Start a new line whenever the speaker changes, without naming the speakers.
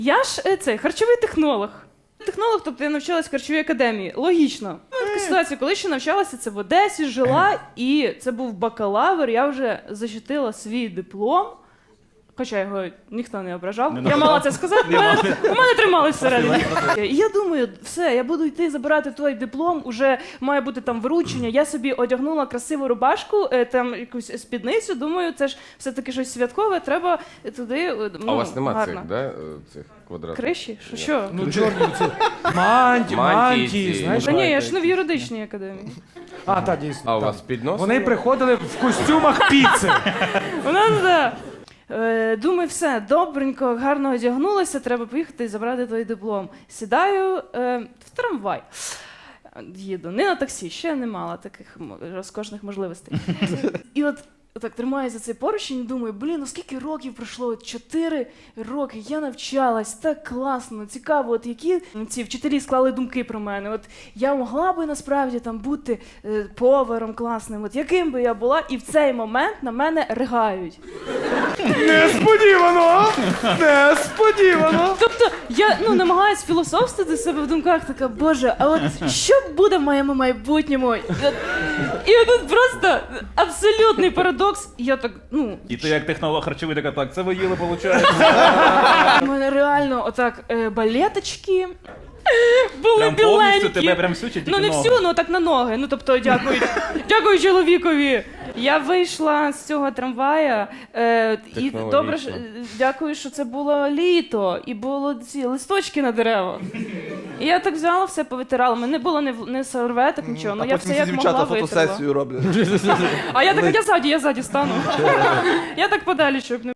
Я ж харчовий технолог. Технолог, тобто я навчалась в харчовій академії. Логічно. Така ситуація, коли ще навчалася, це в Одесі, жила, і це був бакалавр, я вже защитила свій диплом. Хоча його ніхто не ображав. Я мала це сказати, у мене трималось всередині. І я думаю, все, я буду йти забирати той диплом, уже має бути там вручення. Я собі одягнула красиву рубашку, там якусь спідницю, думаю, це ж все-таки щось святкове, треба туди,
А у вас нема
гарно.
цих, да, цих квадратів?
Криші? Що?
Ну, чорні ці мантії, знаєш?
Та ні, я ж не в юридичній академії.
А, так, дійсно.
А у
так.
вас піднос?
Вони приходили в костюмах піци.
Вона, да. Думаю, все, добренько, гарно одягнулася, треба поїхати і забрати той диплом. Сідаю в трамвай. Їду, не на таксі, ще не мала таких розкошних можливостей. І от так тримаю за цей поручень і думаю, ну скільки років пройшло? 4 роки, я навчалась, так класно, цікаво, от які ці вчителі склали думки про мене. От я могла би насправді там бути поваром класним, от яким би я була, і в цей момент на мене ригають.
Несподівано! Несподівано!
Тобто я намагаюсь філософствувати себе в думках, така, боже, а от що буде в моєму майбутньому? І тут просто абсолютний парадокс. І я так,
І ти як технолог харчовий така, так, це ви їли, виходить?
у мене реально отак балеточки були
Прям
біленькі.
повністю тебе прям всю чи тільки
Ну не
ноги?
всю, так на ноги. Тобто дякую чоловікові. Я вийшла з цього трамвая, і добре, дякую, що це було літо, і було ці листочки на деревах. І я так взяла, все повитирала. У мене не було ні серветок, нічого, ну я все як могла витерла.
фотосесію роблять.
А я така, я ззаді стану. Я так подалі, щоб не